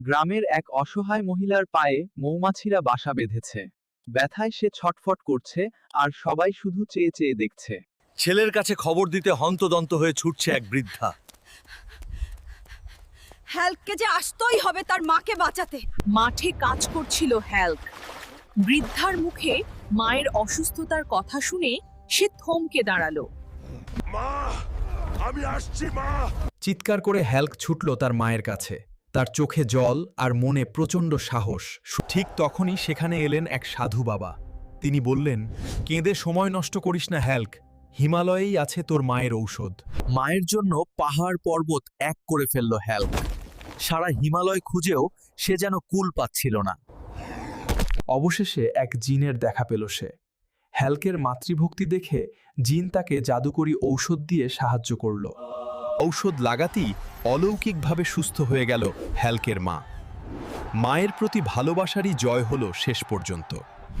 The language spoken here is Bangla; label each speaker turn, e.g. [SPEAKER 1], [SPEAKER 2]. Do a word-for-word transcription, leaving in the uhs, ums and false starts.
[SPEAKER 1] গ্রামের এক অসহায় মহিলার পায়ে মৌমাছিরা বাসা বেঁধেছে। ব্যথায় সে ছটফট করছে, আর সবাই শুধু চেয়ে চেয়ে দেখছে।
[SPEAKER 2] ছেলের কাছে খবর দিতে হন্তদন্ত হয়ে ছুটছে এক বৃদ্ধা।
[SPEAKER 3] হ্যাল্ককে যে আসতেই হবে তার মাকে বাঁচাতে।
[SPEAKER 4] মাঠে কাজ করছিল হ্যাল্ক। বৃদ্ধার মুখে মায়ের অসুস্থতার কথা শুনে সে থমকে দাঁড়ালো।
[SPEAKER 2] মা, আমি আসছি মা।
[SPEAKER 5] চিৎকার করে হ্যাল্ক ছুটল তার মায়ের কাছে। তার চোখে জল আর মনে প্রচণ্ড সাহস। ঠিক তখনই সেখানে এলেন এক সাধু বাবা। তিনি বললেন, কেঁদে সময় নষ্ট করিস না হ্যাল্ক, হিমালয়েই আছে তোর মায়ের ঔষধ।
[SPEAKER 2] মায়ের জন্য পাহাড় পর্বত এক করে ফেলল হ্যাল্ক। সারা হিমালয় খুঁজেও সে যেন কুল পাচ্ছিল না।
[SPEAKER 5] অবশেষে এক জিনের দেখা পেল সে। হ্যাল্কের মাতৃভক্তি দেখে জিন তাকে জাদুকরী ঔষধ দিয়ে সাহায্য করল। ঔষধ লাগাতেই অলৌকিকভাবে সুস্থ হয়ে গেল হ্যাল্কের মা। মায়ের প্রতি ভালোবাসারই জয় হলো শেষ পর্যন্ত।